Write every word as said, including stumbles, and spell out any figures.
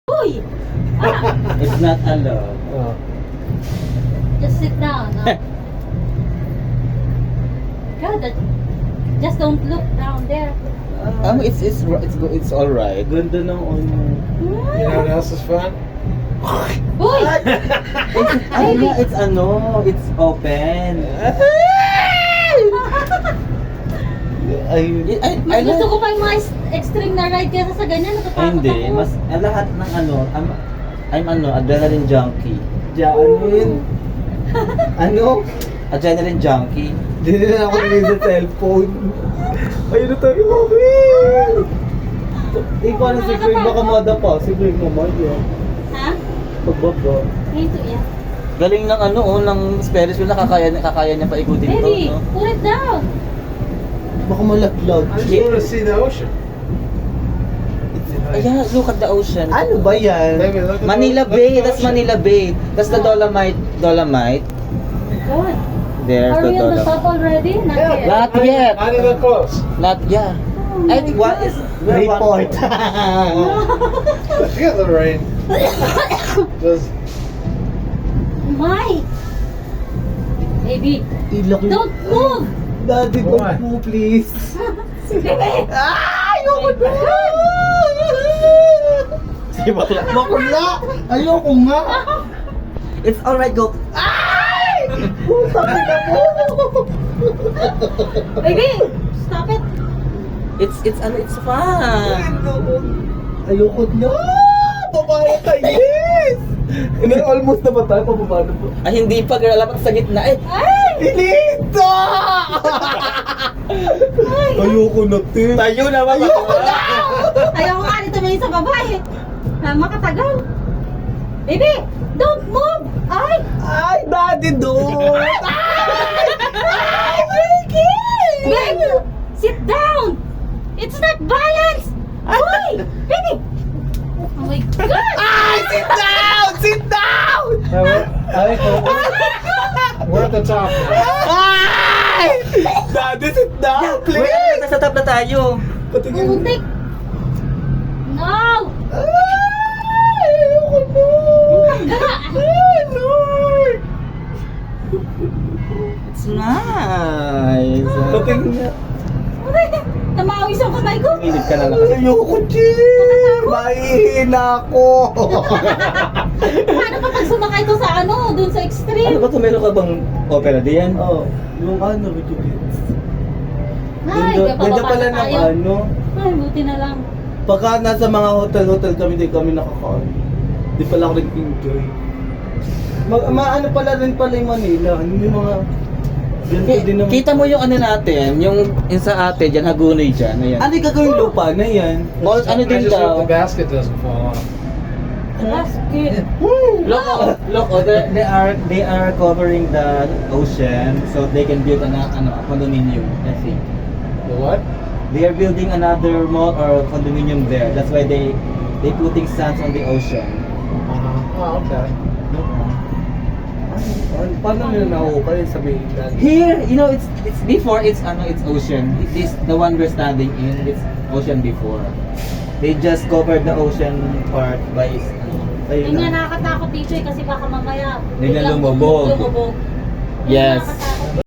Uy! Ah, It's not allowed. Oh. just sit down. ah. God, that, just don't look down there. Um, it's it's it's go- it's all right. Ganda ng ano. You know what else is fun? Uy! Ano nga, it's ano, it's open. Ay, ay, Mas ay, gusto ko pa yung mga est- extreme na ride kaysa sa ganyan. ay, Natatakot hindi, ako. mas ang lahat ng ano, I'm, I'm ano, adrenaline junkie. Adrenaline. Ano? Adrenaline junkie. Hindi na ako nilid sa cellphone. Ayun na tayo, mami! Eh, paano si Greg? Baka mada pa. Si Greg naman yun. Ha? Pagbaba. Ito yan. Galing ng ano, oh, ng Ferris wheel, nakakaya, kakaya niya pa ikutin to, Baby, no? put it down. Baka malaglag. I just want to see the ocean. Yeah, look at the ocean. Ano ba yan? Baby, look at Manila the, look Bay, at the that's ocean. Manila Bay. That's the Dolomite, Dolomite. God. There's Are the we on the top Dolomite. already? Not Yeah, yet. Not not yet. Not even close. Not, yeah. Oh I my think what God. is, we're one Report. Look at the rain. Just My. Baby, Ilok yung... don't move. Daddy, Why? don't mo, please. Baby. Ah, ayoko na! Si bakla. Bakla! Ayoko nga! It's alright, go. Ay! Puta ka na po! Baby, stop it. It's, it's, ano, it's fun. Ayoko na! Babae ka, yes! Hindi, almost na ba tayo? Pababa na po. Ay, hindi pa, girl. Alam sa gitna. Eh, Ay! Pinito! Ayoko na, te. tayo na, mama. Ayoko na! Ayaw ko nga nito may sa babae. Ha, makatagal. Baby, don't move. Ay! Ay, daddy, don't! Ay! Ay, Ricky! Baby, sit down. It's not violence. Ay! Baby! Oh my God! Ay, sit down! Sit down! Hey, we're, I think we're, we're at the top now. Ay! Daddy, sit down, Wait, please! nasa top na tayo. Patingin. Muntik. No! Ay, ayoko na! Ay, Lord! It's nice. Patingin na. Namawis ang kamay ko. Inip ka na lang kasi. Ayoko, Jim! Mahihina ako! Paano pa pag sumakay to sa ano, dun sa Ano extreme? ba ito? Meron ka bang opera diyan? Oh, yung ano, medyo bits. Ay, Ganda, ganda kapababa pala na ng tayo. ano. Ay, buti na lang. Pagka nasa mga hotel-hotel kami, di kami nakakaano. Di pala ako nag-enjoy. Mag, maano pala rin pala yung Manila. Ano yung mga... Ganito din naman. Kita mo yung ano natin, yung, yung sa ate dyan, Hagonoy dyan. Ayan. Ano yung gagawin lupa na yan? Mall, ano I din just hope daw? the basket doesn't fall off. Basket. Look, oh, look, oh, they, they are they are covering the ocean so they can build an ano, a condominium, I think. The what? They are building another mall or condominium there. That's why they they putting sands on the ocean. Uh-huh. Oh, okay. Ano, paano nila nakuha yung sa mainland? Here, you know, it's it's before it's ano, it's ocean. It is the one we're standing in. It's ocean before. They just covered the ocean part by ano, Ayun Yun nga na. nakakatakot dito eh, kasi baka mamaya Biglang biglang lumubog. lumubog. Yun Yes. nakakatakot.